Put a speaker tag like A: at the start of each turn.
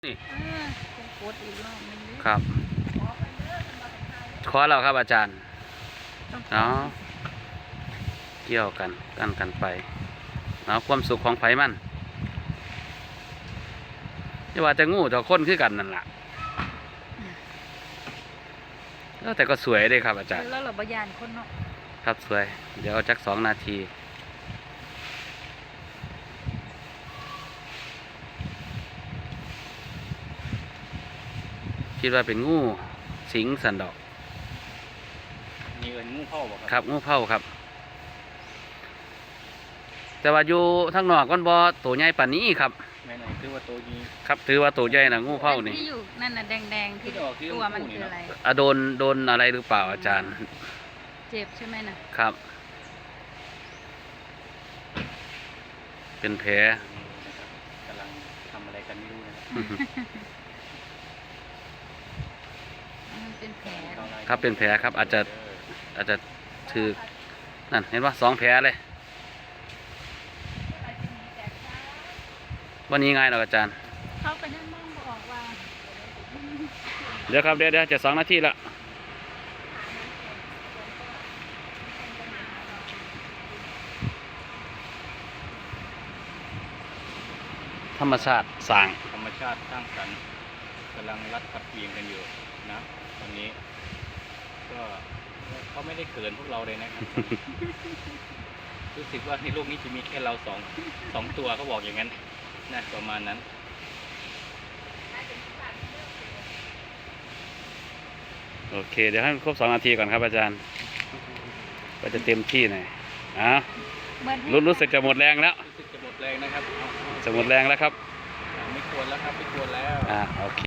A: นี่
B: กดอีกรอบนึงดิ
A: ครับขอเราครับอาจารย์เนาะเกี่ยวกันไปเนาะความสุขของไผมันจะว่าจะงูจะค้นคือกันนั่นแหละแต่ก็สวยเลยครับอาจารย์
B: แล้วเราบยานคนเนาะ
A: ครับสวย เดี๋ยวเอาจัก2 นาที คิดว่าเป็นงูสิงสันดอก
C: มีเอินงูเข้าบ่
A: ครับงูเผาครับ แต่ว่าอยู่ทางนอกมันบ่ตัวใหญ่ปานนี้ครับ
C: ไม่ไหนคือว่าตัวนี้
A: ครับถือว่าตัวใหญ่นะงูเผานี่
B: ที่อยู่นั่นน่ะแดงๆที่ตัวมันคืออะไร
A: โดนอะไรหรือเปล่าอาจารย์
B: เจ็บใช่ไหมน่ะ
A: ครับ เป็นแผล
C: กำลังทำอะไรกันไม่รู้นะครับ
B: มันเป็นแผล
A: ครับเป็นแผลครับอาจจะถือนั่นเห็นว่า2 แผลเลย วันนี้ไงเนาะอาจารย์
B: เขาไปนั่งมองบอกว่า
A: เดี๋ยวครับเดี๋ยวจะ2 นาทีละธรรมชาติสร้าง
C: ธรรมชาติสร้างสรรค์กำลังรัดกับเอียงกันอยู่นะตอนนี้ก็เขาไม่ได้เขินพวกเราเลยนะครับ รู้สึกว่าในโลกนี้จะมีแค่เราสองตัวเขาบอกอย่างนั้นนะประมาณนั้น
A: โอเค เดี๋ยวให้มันครบ2 นาทีก่อนครับอาจารย์ ก็จะเต็มที่หน่อยรู้สึกจะหมดแรงแล้ว
C: รู้สึกจะหมดแรงนะครับ
A: จะหมดแรงแล้วครับ
C: ไม่ควรแล้วครับไม่ควรแล้ว
A: โอเค